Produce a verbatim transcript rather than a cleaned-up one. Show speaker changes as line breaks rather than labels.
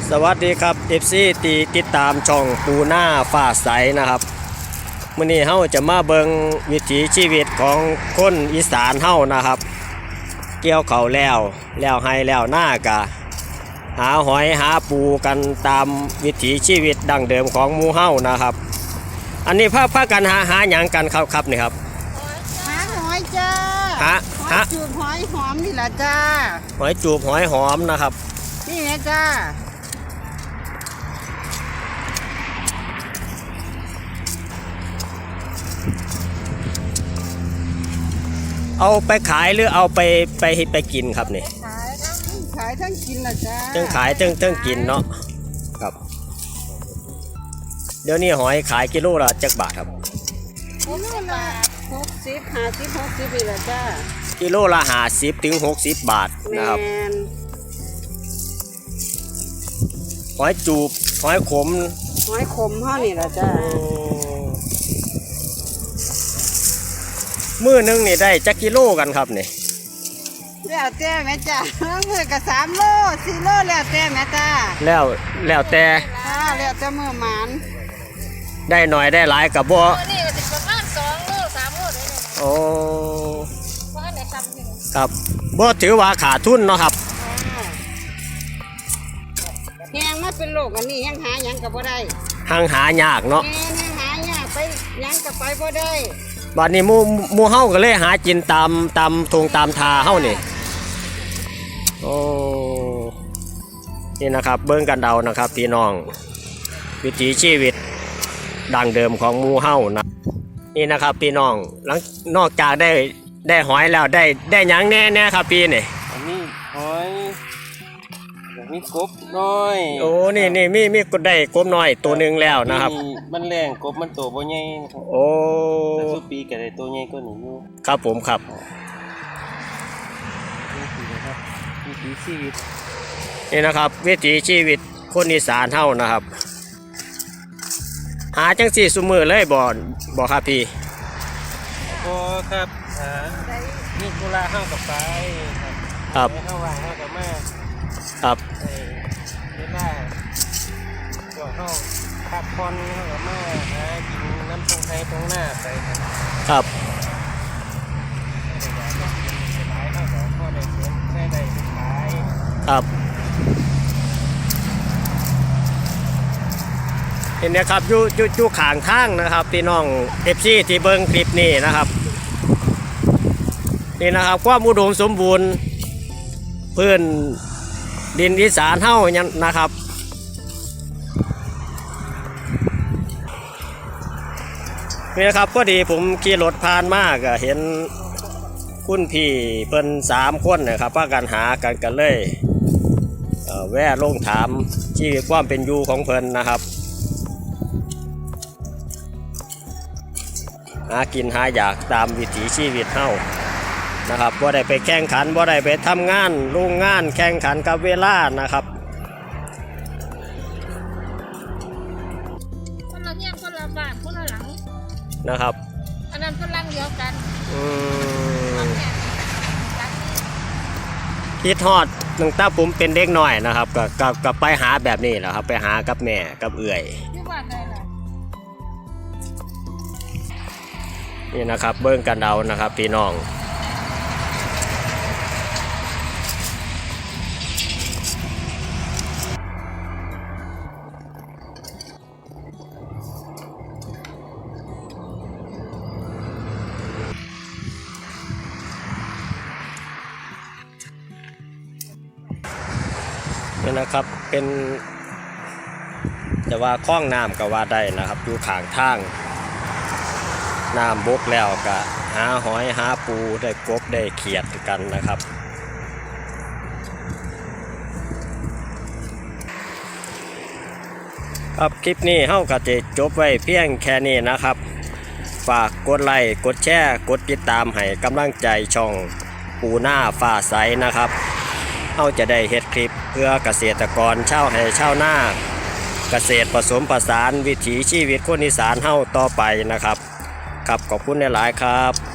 สวัสดีครับ เอฟ ซี ตีติดตามช่องปูหน้าฟ้าใสนะครับมื้อนี้เฮาจะมาเบิงวิถีชีวิตของคนอีสานเฮานะครับเกี่ยวข้าวแล้วแล้วให้แล้วหน้ากะหาหอยหาปูกันตามวิถีชีวิตดั้งเดิมของหมู่เฮานะครับอันนี้พาพากันหาหาหยังกันครับครับนี่ครับ
หาหอยจ้า
หาหา
จูบหอยหอมนี่แหละจ้า
หอยจูบหอยหอมนะครับ
นี่ไงจ้า
เอาไปขายหรือเอาไปไปไปกินครับนี่
ขายทั้งขายทั้งกินนะจ้า
ทั้งขายทั้งทั้งกินเนาะครับเดี๋ยวนี้หอยขายกิโลละจักบาทครับ
กิโลละหกสิบห้าสิบหกสิบนี่แหละจ้า
กิโลละห้าสิบถึงหกสิบบาทนะครับหอยจูบหอยขม
หอยขมเท่านี่แหละจ้า
มื้อนึงนี่ได้จักกิโลกันครับนี่
แล้วแต่แม่จ้ามื้อก็สามโลสี่โลแล้วแต่แม่จ้า
แล้วแล้วแต่
ค่ะแล้วแต่มื้อหมาน
ได้หน่อยได้หลายกับบ่
นี่ก็สิประมาณสองโลสามโลได้เลย
โอ้
บ่ได้ซ้ำนึง
ครับบ่ถือว่าขาดทุนเนาะครับ
แฮงมาเป็นโลกอันนี้ยังหาหยังก็บ่ได้
หังหายากเนาะ
แม่นหายากไปหยังก็ไปบ่ได้
บัดนี้หมู่หมู่เฮาก็เลยหากินตามตามทงตามทาเฮานี่โอ้นี่นะครับเบิ่งกันเดานะครับพี่น้องวิถีชีวิตดั้งเดิมของหมู่เฮานะนี่นะครับพี่น้องหลังนอกจากได้ได้หอยแล้วได้ได้หยังแน่แน่ครับพี่นี่
อันนี้หอยมีกบน้อย
โอ้นี่นี่มีมีกบได้กบน้อยตัวหนึ่งแล้วนะครับ
มันแรงกบมันโตบ่ใหญ่
โอ้
แต่สุปีก็ได้ตัวใหญ่กว่านี้อยู่
ครับผมครับ
วิถีชีวิต
นี่นะครับวิถีชีวิตคนอีสานเฮานะครับหาจังสี่ซุมือเลยบ่บ่ครับพี่
บ่ครับหานี่กุลาเฮากับไป
ครับ
เฮาว่างเฮากับมา
ครับ
เวลาก็เฮาพักผ่อนเฮากับมาหากินน้ำตรงไทยตรงหน้าไปครับ
ครับครับเห็นนะครับอยู่อยู่อยู่ข้างทางนะครับพี่น้องเอฟซีที่เบิ้งคลิปนี้นะครับนี่นะครับความอุดมสมบูรณ์พื้นดินอีสานเฮาเนี่ยนะครับนี่นะครับพอดีผมขี่รถผ่านมากเห็นคุณพี่เพิ่นสามคนนะครับพากันหากันกันเลยเอ่อแวะลงถามชีวิตความเป็นอยู่ของเพิ่นนะครับหากินหาอยากตามวิถีชีวิตเฮานะครับบ่ได้ไปแข่งขันบ่ได้ไปทำงานโรงงานแข่งขันกับเวลานะครับ
คนละเงี้ยคนละบ้านคนละหลัง
นะครับ
อันนั้นคนหลังเดียวกัน
อืมคิดฮอดตั้งแต่ผมเป็นเด็กน้อยนะครับก็ก็ก็ไปหาแบบนี้แหละครับไปหากับแม่กับเอื่อย
อยู่บ้านใดล่ะ
นี่นะครับเบิ่งกันเอานะครับพี่น้องนี่นะครับเป็นแต่ว่าคล้องน้ำก็ว่าได้นะครับอยู่ข้างทางน้ำบกแล้วก็หาหอยหาปูได้กบได้เขียดกันนะครับครับคลิปนี้เฮาก็จะจบไว้เพียงแค่นี้นะครับฝากกดไลค์กดแชร์กดติดตามให้กำลังใจช่องปูหน้าฟ้าใสนะครับเฮาจะได้เฮ็ดคลิปเพื่อเกษตรกรชาวไร่ชาวนาเกษตรผสมผสานวิถีชีวิตคนอีสานเฮาต่อไปนะครับครับขอบคุณหลายๆครับ